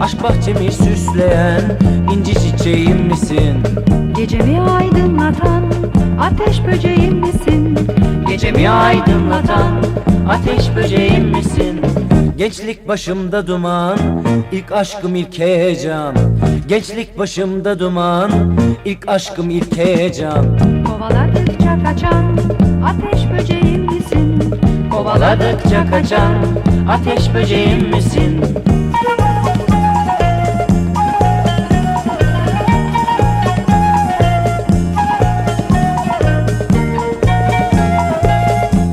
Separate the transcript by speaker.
Speaker 1: Aşk bahçemi süsleyen inci çiçeğim misin?
Speaker 2: Gecemi aydınlatan ateş böceğim misin?
Speaker 1: Gecemi aydınlatan ateş böceğim misin? Gençlik başımda duman, ilk aşkım ilk heyecan. Gençlik başımda duman, ilk aşkım ilk heyecan.
Speaker 2: Kovaladıkça kaçan ateş böceğim misin?
Speaker 1: Kovaladıkça kaçan ateş böceğim misin?